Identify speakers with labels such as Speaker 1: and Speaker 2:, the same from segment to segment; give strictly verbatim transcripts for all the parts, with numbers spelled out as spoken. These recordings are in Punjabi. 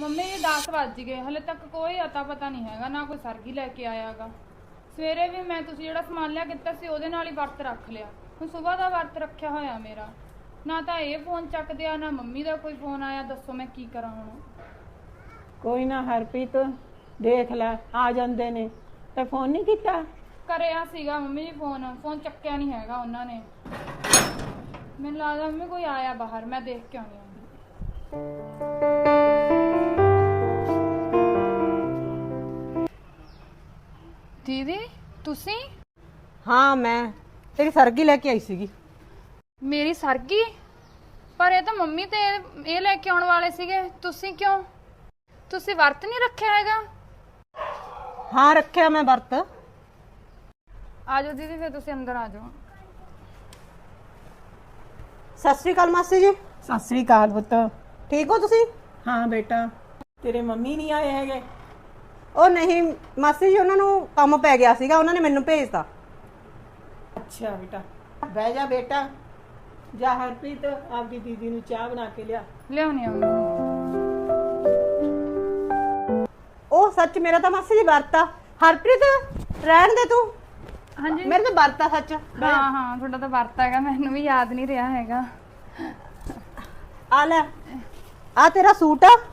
Speaker 1: ਮੰਮੀ ਜੀ ਦਸ ਵੱਜ ਗਏ, ਹਲੇ ਤੱਕ ਕੋਈ ਅਤਾ ਪਤਾ ਨਹੀਂ ਹੈਗਾ, ਨਾ ਕੋਈ ਸਰਗੀ ਲੈ ਕੇ ਆਇਆਗਾ। ਸਵੇਰੇ ਵੀ ਮੈਂ ਤੁਸੀਂ ਜਿਹੜਾ ਸਮਾਨ ਲਿਆ ਕੀਤਾ ਸੀ ਉਹਦੇ ਨਾਲ ਹੀ ਵਰਤ ਰੱਖ ਲਿਆ। ਹੁਣ ਸਵੇਰ ਦਾ ਵਰਤ ਰੱਖਿਆ ਹੋਇਆ ਮੇਰਾ, ਨਾ ਤਾਂ ਇਹ ਫੋਨ ਚੱਕਦੇ ਆ ਨਾ ਮੰਮੀ ਦਾ ਕੋਈ ਫੋਨ ਆਇਆ। ਦੱਸੋ ਮੈਂ ਕੀ ਕਰਾਂ ਹੁਣ?
Speaker 2: ਕੋਈ ਨਾ ਹਰਪ੍ਰੀਤ, ਦੇਖ ਲੈ ਆ ਜਾਂਦੇ ਨੇ ਤੇ ਫੋਨ ਨਹੀਂ ਕੀਤਾ?
Speaker 1: ਕਰਿਆ ਸੀਗਾ ਮੰਮੀ ਜੀ, ਫੋਨ ਫੋਨ ਚੱਕਿਆ ਨਹੀਂ ਹੈਗਾ ਉਹਨਾਂ ਨੇ। ਮੈਨੂੰ ਲੱਗਦਾ ਮੰਮੀ ਕੋਈ ਆਇਆ ਬਾਹਰ, ਮੈਂ ਦੇਖ ਕੇ ਆਉਣੀ ਆ। ਦੀਦੀ ਤੁਸੀਂ?
Speaker 3: ਹਾਂ ਮੈਂ ਤੇਰੀ ਸਰਗੀ ਲੈ ਕੇ ਆਈ ਸੀਗੀ।
Speaker 1: ਮੇਰੀ ਸਰਗੀ? ਪਰ ਇਹ ਤਾਂ ਮੰਮੀ ਤੇ ਇਹ ਲੈ ਕੇ ਆਉਣ ਵਾਲੇ ਸੀਗੇ, ਤੁਸੀਂ ਕਿਉਂ? ਤੁਸੀਂ ਵਰਤ ਨਹੀਂ ਰੱਖਿਆ ਹੈਗਾ?
Speaker 3: ਹਾਂ ਰੱਖਿਆ ਮੈਂ ਵਰਤ।
Speaker 1: ਆਜੋ ਦੀਦੀ, ਫਿਰ ਤੁਸੀਂ ਅੰਦਰ ਆ ਜਾਓ।
Speaker 3: ਸਤਿ ਸ੍ਰੀ ਅਕਾਲ ਮਾਸੀ ਜੀ।
Speaker 2: ਸਤਿ ਸ੍ਰੀ ਅਕਾਲ ਪੁੱਤ।
Speaker 3: ਠੀਕ ਹੋ ਤੁਸੀਂ?
Speaker 2: ਹਾਂ ਬੇਟਾ, ਤੇਰੇ ਮੰਮੀ ਨਹੀਂ ਆਏ ਹੈਗੇ?
Speaker 3: ਉਹ ਨਹੀਂ ਮਾਸੀ ਜੀ, ਉਹਨਾਂ ਨੂੰ ਕੰਮ ਪੈ ਗਿਆ ਸੀਗਾ, ਉਹਨਾਂ ਨੇ ਮੈਨੂੰ ਭੇਜਤਾ।
Speaker 2: ਅੱਛਾ ਬੇਟਾ, ਬਹਿ ਜਾ ਬੇਟਾ। ਜਾ ਹਰਪ੍ਰੀਤ ਆਪਦੀ ਦੀਦੀ ਨੂੰ ਚਾਹ ਬਣਾ ਕੇ ਲਿਆ।
Speaker 1: ਲਿਆਉਣੀ ਆ।
Speaker 3: ਉਹ ਸੱਚ ਮੇਰਾ ਤਾਂ ਮਾਸੀ ਜੀ ਵਰਤ ਆ। ਹਰਪ੍ਰੀਤ ਰਹਿਣ ਦੇ ਤੂੰ।
Speaker 1: ਹਾਂਜੀ
Speaker 3: ਮੇਰੇ ਤਾਂ ਵਰਤ ਆ ਸੱਚ।
Speaker 1: ਹਾਂ ਹਾਂ, ਤੁਹਾਡਾ ਤਾਂ ਵਰਤ ਹੈਗਾ, ਮੈਨੂੰ ਵੀ ਯਾਦ ਨਹੀਂ ਰਿਹਾ ਹੈਗਾ।
Speaker 3: ਆ ਲੈ, ਆ ਤੇਰਾ ਸੂਟ ਆ।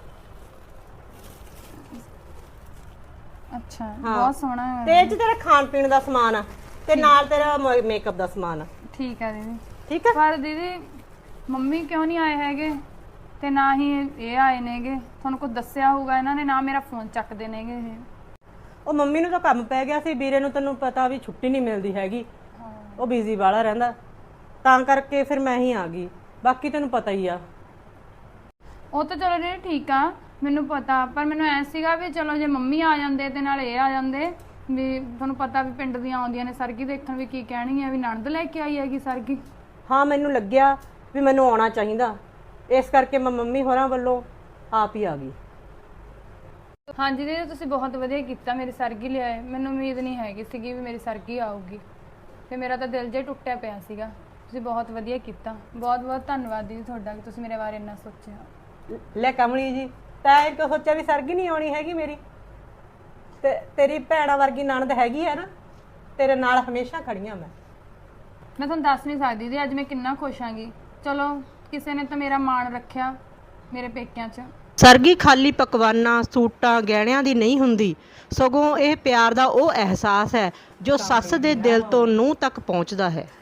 Speaker 1: ਅੱਛਾ,
Speaker 3: ਹਾਂ।
Speaker 1: ਬਹੁਤ ਸੋਹਣਾ ਹੈ।
Speaker 3: ਤੇ ਇਹ ਚ ਤੇਰਾ ਖਾਣ ਪੀਣ ਦਾ ਸਮਾਨ ਆ ਤੇ ਨਾਲ ਤੇਰਾ ਮੇਕਅਪ ਦਾ ਸਮਾਨ ਆ।
Speaker 1: ਠੀਕ ਹੈ ਦੀਦੀ।
Speaker 3: ਠੀਕ ਆ।
Speaker 1: ਪਰ ਦੀਦੀ ਮੰਮੀ ਕਿਉਂ ਨਹੀਂ ਆਏ ਹੈਗੇ ਤੇ ਨਾ ਹੀ ਇਹ ਆਏ ਨੇਗੇ? ਤੁਹਾਨੂੰ ਕੁਝ ਦੱਸਿਆ ਹੋਊਗਾ ਇਹਨਾਂ ਨੇ, ਨਾ ਮੇਰਾ ਫੋਨ ਚੱਕਦੇ ਨੇਗੇ ਇਹ।
Speaker 3: ਉਹ ਮੰਮੀ ਨੂੰ ਤਾਂ ਕੰਮ ਪੈ ਗਿਆ ਸੀ, ਵੀਰੇ ਨੂੰ ਤੈਨੂੰ ਪਤਾ ਵੀ ਛੁੱਟੀ ਨਹੀਂ ਮਿਲਦੀ ਹੈਗੀ, ਉਹ ਬਿਜ਼ੀ ਵਾਲਾ ਰਹਿੰਦਾ, ਤਾਂ ਕਰਕੇ ਫਿਰ ਮੈਂ ਹੀ ਆ ਗਈ। ਬਾਕੀ ਤੈਨੂੰ ਪਤਾ ਹੀ ਆ।
Speaker 1: ਉਹ ਤਾਂ ਚਲੋ ਜੀ ਠੀਕ ਆ, ਮੈਨੂੰ ਪਤਾ, ਪਰ ਮੈਨੂੰ ਐ ਸੀਗਾ ਵੀ ਚਲੋ ਜੇ ਮੰਮੀ ਆ ਜਾਂਦੇ ਤੇ ਨਾਲ ਇਹ ਆ ਜਾਂਦੇ, ਵੀ ਤੁਹਾਨੂੰ ਪਤਾ ਵੀ ਪਿੰਡ ਦੀਆਂ ਆਉਂਦੀਆਂ ਨੇ ਸਰਗੀ ਦੇਖਣ, ਵੀ ਕੀ ਕਹਿਣੀ ਹੈ ਵੀ ਨਣਦ ਲੈ ਕੇ ਆਈ ਹੈਗੀ ਸਰਗੀ।
Speaker 3: ਹਾਂ ਮੈਨੂੰ ਲੱਗਿਆ ਵੀ ਮੈਨੂੰ ਆਉਣਾ ਚਾਹੀਦਾ, ਇਸ ਕਰਕੇ ਮੈਂ ਮੰਮੀ ਹੋਰਾਂ ਵੱਲੋਂ ਆਪ ਹੀ ਆ ਗਈ।
Speaker 1: ਹਾਂਜੀ ਦੀਦੀ, ਤੁਸੀਂ ਬਹੁਤ ਵਧੀਆ ਕੀਤਾ, ਮੇਰੀ ਸਰਗੀ ਲਿਆਏ। ਮੈਨੂੰ ਉਮੀਦ ਨਹੀਂ ਹੈਗੀ ਸੀਗੀ ਵੀ ਮੇਰੀ ਸਰਗੀ ਆਊਗੀ, ਤੇ ਮੇਰਾ ਤਾਂ ਦਿਲ ਜਿਹਾ ਟੁੱਟਿਆ ਪਿਆ ਸੀਗਾ। ਤੁਸੀਂ ਬਹੁਤ ਵਧੀਆ ਕੀਤਾ, ਬਹੁਤ ਬਹੁਤ ਧੰਨਵਾਦ ਦੀਦੀ ਤੁਹਾਡਾ ਕਿ ਤੁਸੀਂ ਮੇਰੇ ਬਾਰੇ ਇੰਨਾ ਸੋਚਿਆ।
Speaker 3: ਲੈ ਕਮਲੀ ਜੀ, ਤੈਂ ਇਹ ਕਿਉਂ ਸੋਚਿਆ ਵੀ ਸਰਗੀ ਨਹੀਂ ਆਉਣੀ ਹੈਗੀ ਮੇਰੀ? ਤੇ ਤੇਰੀ ਭੈਣਾ ਵਰਗੀ ਨਣਦ ਹੈਗੀ ਹੈ ਨਾ, ਤੇਰੇ ਨਾਲ ਹਮੇਸ਼ਾ ਖੜੀਆਂ ਮੈਂ।
Speaker 1: ਮੈਂ ਤੁਹਾਨੂੰ ਦੱਸ ਨਹੀਂ ਸਕਦੀ ਜੀ ਅੱਜ ਮੈਂ ਕਿੰਨਾ ਖੁਸ਼ ਆਂਗੀ। ਚਲੋ ਕਿਸੇ ਨੇ ਤਾਂ ਮੇਰਾ ਮਾਣ ਰੱਖਿਆ ਮੇਰੇ ਪੇਕਿਆਂ 'ਚ।
Speaker 3: ਸਰਗੀ ਖਾਲੀ ਪਕਵਾਨਾਂ, ਸੂਟਾਂ, ਗਹਿਣਿਆਂ ਦੀ ਨਹੀਂ ਹੁੰਦੀ, ਸਗੋਂ ਇਹ ਪਿਆਰ ਦਾ ਉਹ ਅਹਿਸਾਸ ਹੈ ਜੋ ਸੱਸ ਦੇ ਦਿਲ ਤੋਂ ਨੂੰਹ ਤੱਕ ਪਹੁੰਚਦਾ ਹੈ।